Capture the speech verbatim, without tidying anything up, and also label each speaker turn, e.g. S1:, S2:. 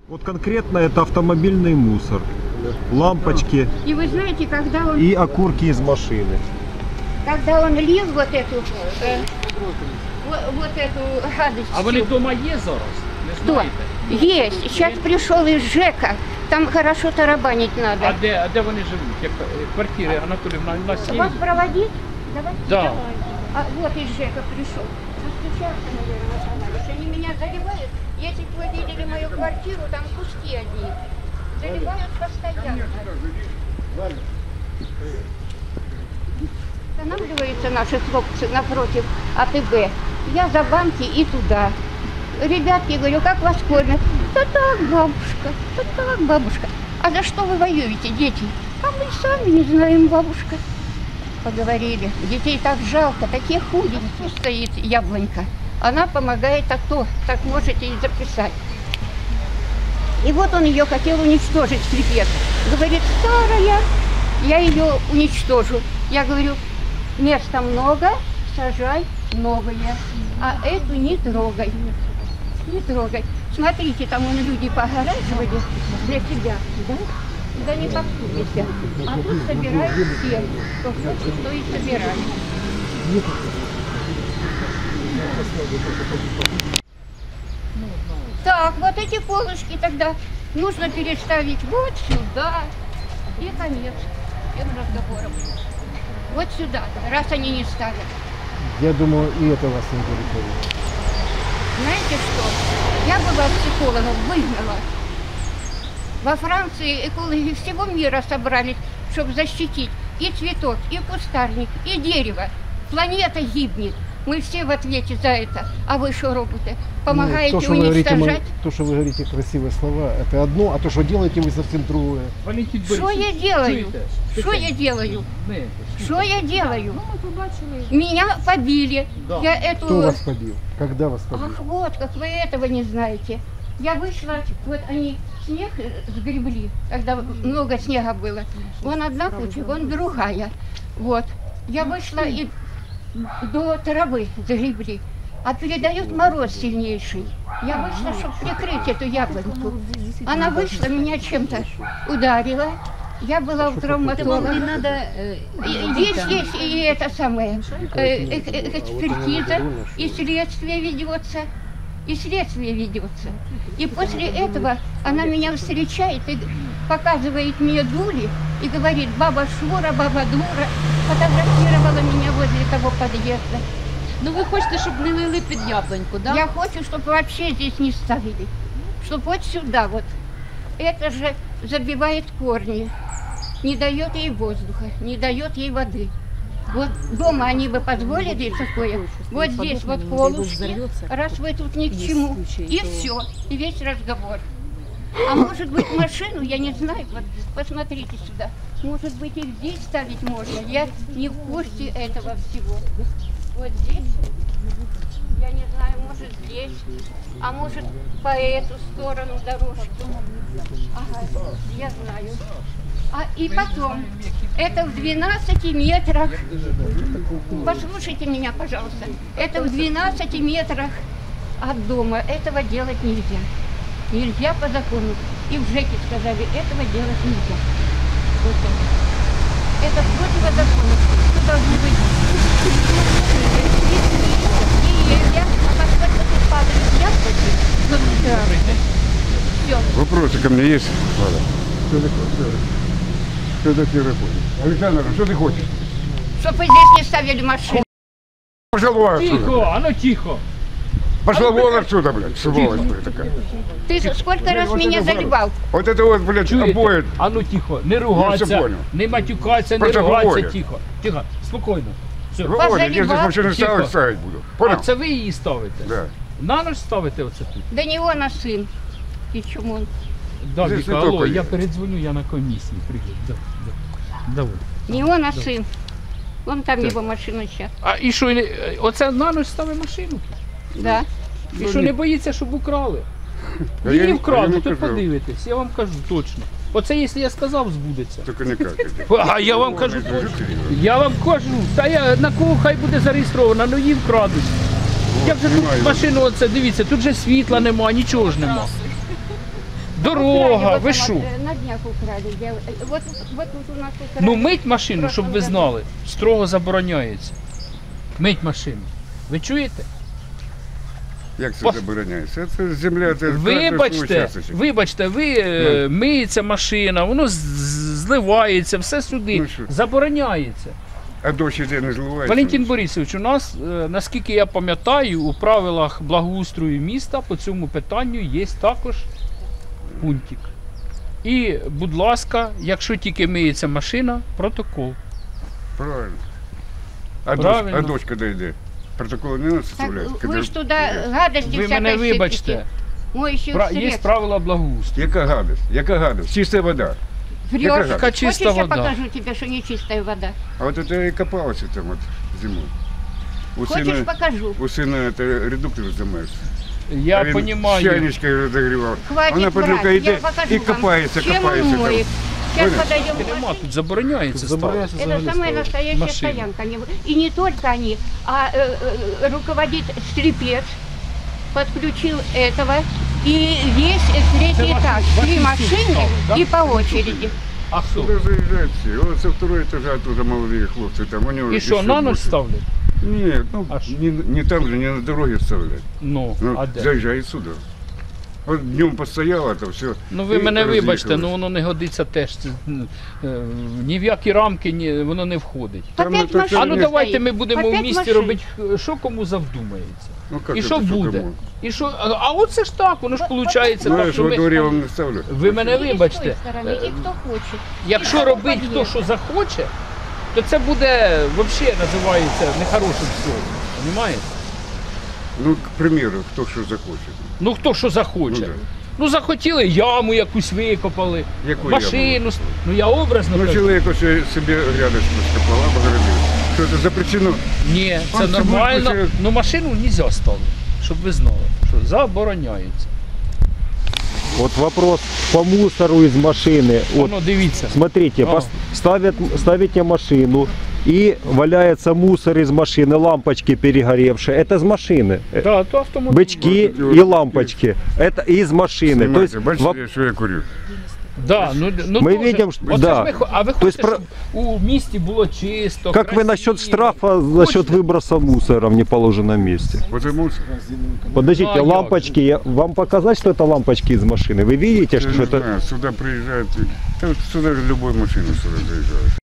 S1: Вот конкретно это автомобильный мусор, лампочки.
S2: И вы знаете, когда он...
S1: И окурки из машины.
S2: Когда он лил вот эту... Э, вот, вот эту гадость.
S3: А вони вдома є зараз? Не
S2: Кто?
S3: знаєте?
S2: Есть. Сейчас пришел из ЖЭКа. Там хорошо тарабанить надо.
S3: А де, а де вони живуть? Як квартири Анатоліївна у нас є?
S2: Вас проводить? Давайте.
S3: Да.
S2: Давай. А вот из ЖЭКа пришел. Постучался, наверное, остановились. Они меня заливают. Если бы вы видели мою квартиру, там куски одни. Заливают постоянно. Останавливаются наши хлопцы напротив АТБ. Я за банки и туда. Ребятки, говорю, как вас кормят? Да так, бабушка, да так, бабушка. А за что вы воюете, дети? А мы сами не знаем, бабушка. Поговорили. Детей так жалко, такие худенькие. Стоит яблонька. Она помогает, а то, так можете и записать. И вот он ее хотел уничтожить, скрипет. Говорит, старая, я ее уничтожу. Я говорю, места много, сажай новые, а эту не трогай. Не трогай. Смотрите, там вон люди погораживали для себя, да? Да не попутайте. А тут собирают все, кто хочет, то и собирают. Так, вот эти полочки тогда нужно переставить вот сюда. И конец всем разговорам. Вот сюда, раз они не ставят.
S4: Я думаю, и это вас не удовлетворит.
S2: Знаете что? Я была психологом, выгнала. Во Франции экологи всего мира собрались, чтобы защитить и цветок, и кустарник, и дерево. Планета гибнет. Мы все в ответе за это. А вы что робите? Помогаете
S4: ну, то, что
S2: уничтожать?
S4: Вы говорите, то, что вы говорите красивые слова, это одно, а то, что делаете, вы совсем другое.
S2: Что я делаю? Что я делаю? Что я делаю? Меня побили.
S3: Да.
S2: Я эту...
S4: Кто вас побил? Когда вас побил?
S2: Ах, вот, как вы этого не знаете. Я вышла, вот они снег сгребли, когда много снега было. Вон одна куча, вон другая. Вот. Я вышла и до травы загребли. А передает мороз сильнейший. Я вышла, чтобы прикрыть эту яблоньку. Она вышла, меня чем-то ударила. Я была у травматолога.
S5: Надо, э,
S2: Есть, есть и это самое, э, э, э, экспертиза, и следствие ведется, и следствие ведется. И после этого она меня встречает и показывает мне дули и говорит, баба Шура, баба Дура, фотографировала меня возле того подъезда.
S5: Ну ви хочете, щоб не лили під яблоньку, да?
S2: Я хочу, чтобы вообще здесь не ставили, чтобы вот сюда вот. Это же забивает корни, не дает ей воздуха, не дает ей воды. Вот дома они бы позволили такое, вот здесь вот полушки, раз вы тут ни к чему, и все, и весь разговор. А может быть машину, я не знаю, вот посмотрите сюда, может быть и здесь ставить можно, я не в курсе этого всего. Вот здесь, я не знаю, может здесь, а может по эту сторону дорожку. Ага, я знаю. А и потом, это в двенадцати метрах, послушайте меня, пожалуйста, это в двенадцати метрах от дома, этого делать нельзя. Нельзя по закону. И в ЖЭКе сказали, этого делать нельзя. Вот это. Это противозаконно. Что должно быть? Деревья, а поскольку тут падают яблоки, все.
S6: Вопросы ко мне есть? Ладно. Что такое? Что такое работает? Александр, что ты хочешь?
S2: Чтобы вы здесь не ставили машину.
S6: Пошла вон отсюда.
S3: Тихо, а ну тихо.
S6: Пошла вон отсюда, блядь, сволочь, блядь, такая.
S2: Ты сколько раз
S6: Вот
S2: меня
S6: это вот.
S2: заливал?
S6: Вот это вот, блядь,
S3: Чуєте?
S6: обои.
S3: А ну тихо, не
S6: все
S3: ругатися,
S6: понял.
S3: не матюкатися, не
S6: Просто
S3: ругатися,
S6: говорять.
S3: тихо. Тихо, спокійно. Все.
S6: Выводит, я здесь
S2: Позаливал.
S6: машину ставить,
S3: Тихо.
S6: ставить буду.
S3: А
S6: Понял?
S3: це ви її ставите?
S6: Да.
S3: На ночь ставите оце тут?
S2: Да не он, а сын. И чему он?
S3: Да,
S6: Здесь
S3: Віка,
S6: не
S3: алло,
S6: тільки
S3: я
S6: є.
S3: передзвоню, я на комісії. Привіт, да, да. Давай.
S2: Не он, а сын. Вон там его машина сейчас.
S3: А і що, не- оце на ніч ставить машину?
S2: Да.
S3: І що, не боїться, щоб украли?
S6: Да я
S3: Її
S6: не-
S3: вкрали,
S6: я не
S3: то
S6: кажу.
S3: подивитесь, я вам кажу точно. Оце, якщо я сказав, збудеться.
S6: Только никак.
S3: А я вам кажу точно. Я вам кажу, та я на кого хай буде зареєстровано, ну її вкрадуть. Я вже тут
S6: знімаю.
S3: машину, оце, дивіться, тут же світла нема, нічого ж нема. Дорога,
S2: Украли,
S3: ви
S2: вот
S3: що?
S2: там, э, На днях украли. Я- Вот, вот тут у нас украли.
S3: Ну мить машину, щоб ви знали, строго забороняється. Мить машину. Ви чуєте?
S6: Як це
S3: Пос-
S6: забороняється? Це земля, це
S3: Вибачте, вибачте, ви е, миється машина, воно з- з- зливається, все сюди.
S6: Ну що?
S3: Забороняється.
S6: А дощ іде не зливається.
S3: Валентин Борисович, у нас, е, наскільки я пам'ятаю, у правилах благоустрою міста по цьому питанню є також пунктик. І, будь ласка, якщо тільки миється машина, протокол.
S6: Правильно. А
S3: Правильно.
S6: дощ, а дощ коли йде? Протоколи не треба
S2: Так,
S6: составляти?
S2: вы ж туда гадости
S3: Ви мене
S2: всякой
S3: вибачте.
S2: сыпите. Моющих
S3: Пра- Є
S2: средств.
S3: правила благоустрою.
S6: Яка гадость? Яка гадость? Чиста вода.
S2: Врешь.
S6: Яка
S3: Яка чиста
S2: Хочешь, я
S3: вода?
S2: покажу тебе, что не чистая вода?
S6: А от це і копалося там от зимою. У
S2: Хочешь,
S6: сина,
S2: покажу.
S6: у сина це редуктор займаєшся.
S3: Я
S6: а він
S3: розумію.
S6: чайничкою розогрівав.
S2: Хватит
S6: Вона під
S2: врать,
S6: рукою
S2: я
S6: йде
S2: покажу
S6: і
S2: вам,
S6: копається,
S2: чем
S6: копається
S2: он
S6: там.
S2: моет. Сейчас
S6: Понял?
S2: подойдем к
S3: Нема,
S2: машине.
S3: тут забороняється ставити.
S4: Забороняется
S2: Это
S4: взагалі
S2: самая
S4: ставити.
S2: настоящая
S3: Машины.
S2: стоянка. Не- И не только они, а э, э, руководит стрипец, подключил этого. И есть третий
S3: Это
S2: этаж.
S3: ваши-
S2: Три
S3: ваши
S2: машины
S3: силы, да?
S2: и по очереди.
S3: А хто?
S6: Сюди заїжджають всі. Ось це второй етаж, оттуда молоді хлопці там. Вони
S3: І
S6: вже
S3: що,
S6: ще
S3: на ніч
S6: більше.
S3: ставлять?
S6: Ні, ну
S3: А що?
S6: не, не там же, не на дороге вставлять.
S3: Ну,
S6: Ну,
S3: а де?
S6: заїжджають сюди. От днем постояло, то все.
S3: Ну ви
S6: і
S3: мене вибачте,
S6: роз'їхались.
S3: ну воно не годиться теж. Це, м, е, ні в які рамки ні, воно не входить.
S6: Там
S2: Опять
S6: это
S2: машины
S3: А ну
S6: Ні.
S3: давайте
S2: стоит.
S3: ми будемо в
S2: Опять
S3: місті
S2: машины.
S3: робити, е, що кому завдумається.
S6: Ну, как
S3: І
S6: это,
S3: що буде?
S6: кому?
S3: І що? А, а оце ж так, воно ж виходить
S6: Ну, я
S3: так,
S6: ж
S3: що
S6: во дворі
S3: ми,
S6: вам не ставлю.
S3: ви мене
S2: И с той
S3: вибачте.
S2: стороны, и кто хочет.
S3: Якщо
S2: І
S3: робить
S2: того
S3: хто що захоче, то це буде взагалі називається нехорошим словом. Розумієте?
S6: Ну, к примеру, хто що захоче.
S3: Ну хто що захоче.
S6: Ну, да.
S3: Ну захотіли яму якусь викопали,
S6: Яку
S3: машину. с- Ну я образно
S6: Ну,
S3: кажу.
S6: чоловік ось собі грядочку скопала, обгородив. Що це запрещено?
S3: Ні, це
S6: Он собі
S3: нормально.
S6: хоче-
S3: Ну машину не можна ставити, щоб ви знали, що забороняється.
S1: Вот вопрос по мусору из машины. Вот,
S3: Воно дивіться.
S1: смотрите,
S3: Ага.
S1: пос- ставят, ставите машину, и валяется мусор из машины, лампочки перегоревшие. Это из машины. Э,
S3: Да, то автомобіль.
S1: Бычки
S6: Вот эти
S1: и
S6: вот
S1: лампочки. Это из машины. То есть,
S6: Знімайте, бачите,
S1: воп-
S6: що я курю?
S3: Да, ну, ну,
S1: Ми
S3: тоже-
S1: видим, що-
S3: Оце
S1: да.
S3: ж ми хо- а ви
S1: То есть
S3: хочете,
S1: про-
S3: щоб у місті було чисто,
S1: как вы
S3: красиво?
S1: насчет штрафа, насчет
S3: Хочете?
S1: выброса мусора в неположенном месте?
S6: Потому що
S1: Подождите,
S3: Ну, а як
S1: лампочки, я- вам показать, что это лампочки из машины? Вы видите,
S6: я
S1: что
S6: не
S1: это...
S6: знаю, сюди приїжджають, та от сюди ж любою машиною сюди заїжджають.